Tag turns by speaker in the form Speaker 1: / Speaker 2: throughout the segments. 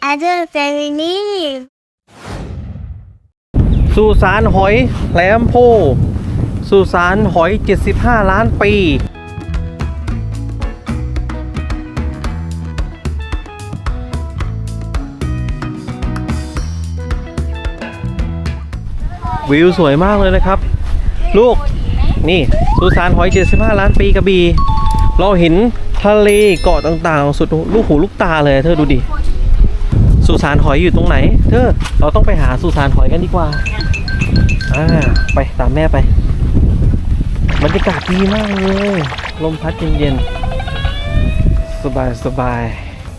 Speaker 1: other family
Speaker 2: สุสานหอยแหลมโพสุสานหอย75 ล้านปีวิวสวยมากเลยนะครับลูกนี่สุสานหอย75 ล้านปีกระบี่เราเห็นทะเลเกาะต่างๆสุดลูกหูลูกตาเลยเธอดูดิสุสานหอยอยู่ตรงไหนเธอเราต้องไปหาสุสานหอยกันดีกว่าไปตามแม่ไปบรรยากาศดีมากเลยลมพัดเย็นๆสบาย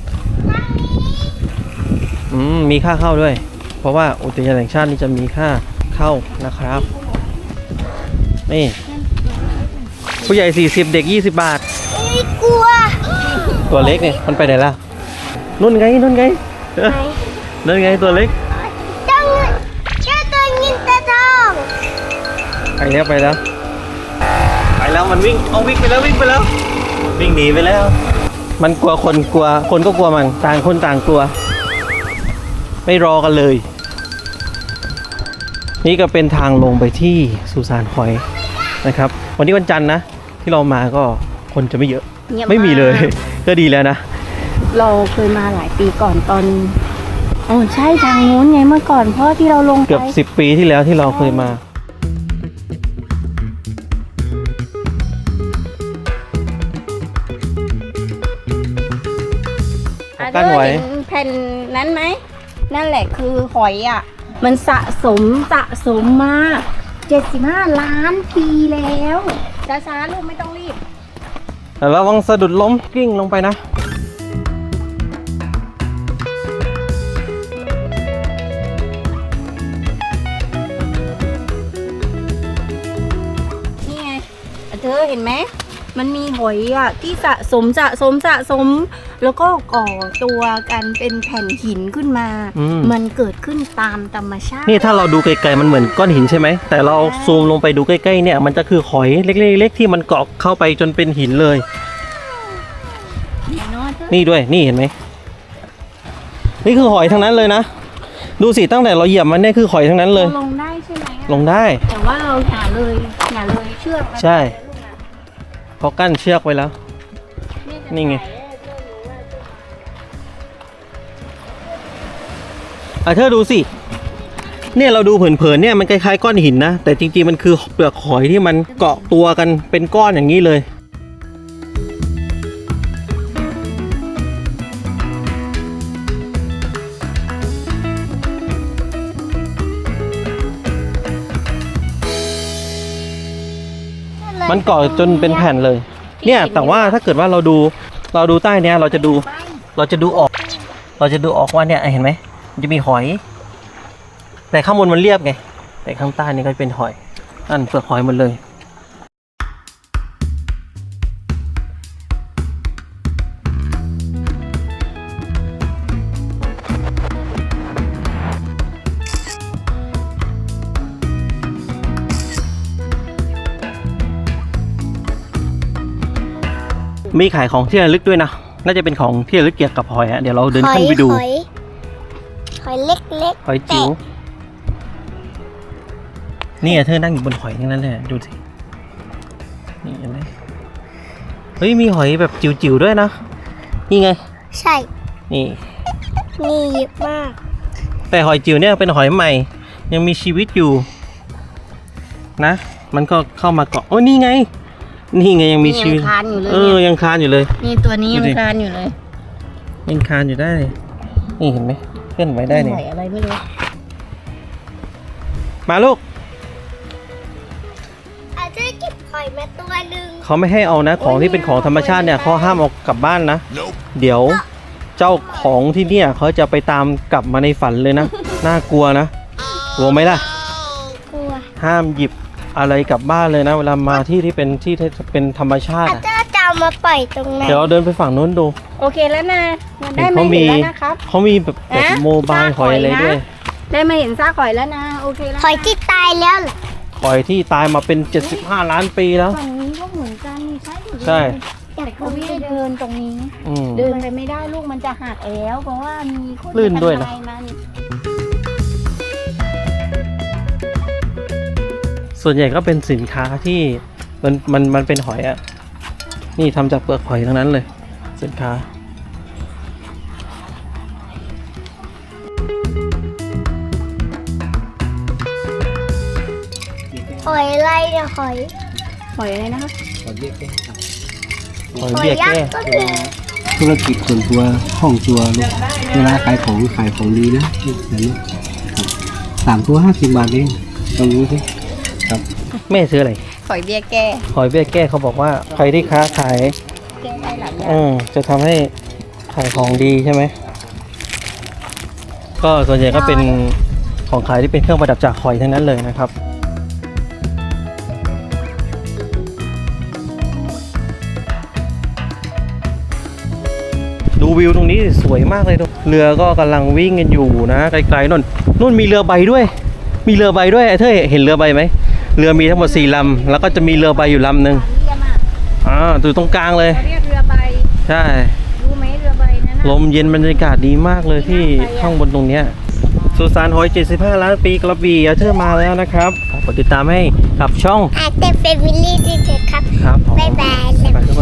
Speaker 2: มีค่าเข้าด้วยเพราะว่าอุทยานแห่งชาตินี่จะมีค่าเข้านะครับนี่ผู้ใหญ่40เด็ก20 บาท
Speaker 1: ไม่กลัว
Speaker 2: ตัวเล็กเนี่ยมันไปไหนล่ะนู่นไงนู่นไงตัวเล็ก
Speaker 1: เจ้าตัวเงินตัวทอง
Speaker 2: ไปแล้วมันวิ่งไปแล้ววิ่งหนีไปแล้วมันกลัวคนก็กลัวมันต่างคนต่างกลัวไม่รอกันเลยนี่ก็เป็นทางลงไปที่สุสานหอยนะครับวันนี้วันจันทร์นะที่เรามาก็คนจะไม่เยอะไม่มีเลยก็ดีแล้วนะ
Speaker 3: เราเคยมาหลายปีก่อนตอนใช่ทางนู้นไงเมื่อก่อนเพราะที่เราลงไป
Speaker 2: เกือบ10 ปีที่แล้วที่เราเคยมากั้นไว้
Speaker 3: แผ่นนั้นไหมนั่นแหละคือหอยอ่ะมันสะสมมา75 ล้านปีแล้วช้าๆลูกไม่ต้องรีบ
Speaker 2: ระวังสะดุดล้มกลิ้งลงไปนะ
Speaker 3: นี่ไงเธอเห็นไหมมันมีหอยอ่ะที่สะสมแล้วก็ก่อตัวกันเป็นแผ่นหินขึ้นมามันเกิดขึ้นตามธรรมชาติ
Speaker 2: นี่ถ้าเราดูไกลๆมันเหมือนก้อนหินใช่ไหมแต่เราซูมลงไปดูใกล้ๆเนี่ยมันจะคือหอยเล็กๆที่มันเกาะเข้าไปจนเป็นหินเลยนี่ด้วยนี่เห็นไหมนี่คือหอยทั้งนั้นเลยนะดูสิตั้งแต่เราเหยียบมันเนี่ยคือหอยทั้งนั้นเลย
Speaker 3: ลงได้ใช่ไหม
Speaker 2: ลงได้
Speaker 3: แต่ว่าเราอย่าเลยเชือก
Speaker 2: ใช่เพราะกั้นเชือกไว้แล้วนี่ไงเธอดูสิเนี่ยเราดูเผินๆเนี่ยมันคล้ายๆก้อนหินนะแต่จริงๆมันคือเปลือกหอยที่มันเกาะตัวกันเป็นก้อนอย่างนี้เลยมันเกาะจนเป็นแผ่นเลยเนี่ยแต่ว่าถ้าเกิดว่าเราดูใต้เนี้ยเราจะดูออกว่าเนี่ยเห็นไหมมันจะมีหอยแต่ข้างบนมันเรียบไงแต่ข้างใต้นี่ก็เป็นหอยนั่นเปลือกหอยหมดเลยมีขายของที่ระลึกด้วยนะน่าจะเป็นของที่ระลึกเกี่ยวกับหอยเดี๋ยวเราเดินขึ้นไปดู
Speaker 1: หอยเล็ก
Speaker 2: หอยจิ๋วนี่เธอนั่งอยู่บนหอยทั้งนั้นเลยดูสินี่เห็นไหมเฮ้ยมีหอยแบบจิ๋วๆด้วยนะนี่ไง
Speaker 1: ใช่
Speaker 2: นี่
Speaker 1: เยอะมาก
Speaker 2: แต่หอยจิ๋วเนี่ยเป็นหอยใหม่ยังมีชีวิตอยู่นะมันก็เข้ามาเกาะโอ้นี่ไงยังมีชีวิต
Speaker 3: ยังคานอยู่เลย
Speaker 2: ยังคานอยู่เลย
Speaker 3: นี่ตัวนี้ยังคานอยู่เลย
Speaker 2: ยังคานอยู่ได้นี่เห็นไหมเคลื่อนไหวได้เนี่ย
Speaker 3: หอยอะไรไม่รู้
Speaker 2: มาลูก
Speaker 1: อาจจะเก็บหอยมาตัวนึง
Speaker 2: เขาไม่ให้เอานะของที่เป็นของธรรมชาติเนี่ยเขาห้ามเอากลับบ้านนะเดี๋ยวเจ้าของที่เนี่ยเขาจะไปตามกลับมาในฝันเลยนะน่ากลัวนะกลัวไหมล่ะ
Speaker 1: กลัว
Speaker 2: ห้ามหยิบอะไรกลับบ้านเลยนะเวลามาที่เป็นธรรมชาติ
Speaker 1: จะเอามาปล่อยตรงไหน
Speaker 2: เดี๋ยวเดินไปฝั่งโน้นดู
Speaker 3: โอเคแล้วนะได้มาเห็นแล้วนะครับ
Speaker 2: เขามีแบบโมบายหอยอะไรด้วย
Speaker 3: ได้มาเห็นซากหอยแล้วนะโอเคแล้ว
Speaker 1: หอยที่ตายแล้ว
Speaker 2: หอยที่ตายมาเป็น75 ล้านปีแล้ว
Speaker 3: ฝั่งนี้ก็เหมือนกัน
Speaker 2: ใช่
Speaker 1: อยาก
Speaker 3: เขาไม่ให้เดินตรงนี้
Speaker 2: อืม
Speaker 3: เดินไปไม่ได้ลูกมันจะหักแล้วเพราะว่ามีคน
Speaker 2: ลื่นด้วยนะ
Speaker 3: ทำลายมัน
Speaker 2: ส่วนใหญ่ก็เป็นสินค้าที่มันเป็นหอยอะนี่ทำจากเปลือกหอยทั้งนั้นเลย สินค้า
Speaker 1: หอยอะไรเนี่ยหอย
Speaker 3: หอยอะไรนะคะ
Speaker 2: หอย
Speaker 1: ห
Speaker 2: เบี้
Speaker 1: อย
Speaker 2: ย
Speaker 1: ยัก
Speaker 2: แก้
Speaker 1: ษ์ก็คือ
Speaker 4: ธุรกิจส่วนตัวห้องตัวลูกเวลาขายของดีนะแบบนี้ครับ3 ตัว 50 บาทเองลองดูสิครับ
Speaker 2: แม่ซื้ออะไร
Speaker 3: หอยเบี้ยแก้
Speaker 2: หอยเบี้ยแก้เขาบอกว่าใครที่ค้าขาย
Speaker 3: แก้ได้หลายอย่าง
Speaker 2: จะทำให้ขายของดีใช่ไหม ก็ส่วนใหญ่ก็เป็นของขายที่เป็นเครื่องประดับจากหอยทั้งนั้นเลยนะครับ ดูวิวตรงนี้สวยมากเลยทุกเรือก็กำลังวิ่งกันอยู่นะไกลๆนู่นมีเรือใบด้วย มีเรือใบด้วยไอ้เธอเห็นเรือใบไหมเรือมีทั้งหมด4 ลำแล้วก็จะมีเรือใบอยู่ลำหนึ่ง
Speaker 3: เรียมอ่ะ
Speaker 2: อยู่ตรงกลางเลย
Speaker 3: เขาเรียกเรือใบ
Speaker 2: ใช่
Speaker 3: รู้ไหมเรือใบนั้น
Speaker 2: ลมเย็นบรรยากาศดีมากเลยที่ข้างบนตรงเนี้ยสุสานหอย 75 ล้านปีกระบี่อาเธอร์มาแล้วนะครับกดติดตามให้กับช่อง
Speaker 1: อาจจะเป็นวิลลี่ที่เด็กครับ
Speaker 2: ครับผม
Speaker 1: บ๊ายบาย
Speaker 2: ไปทุกคน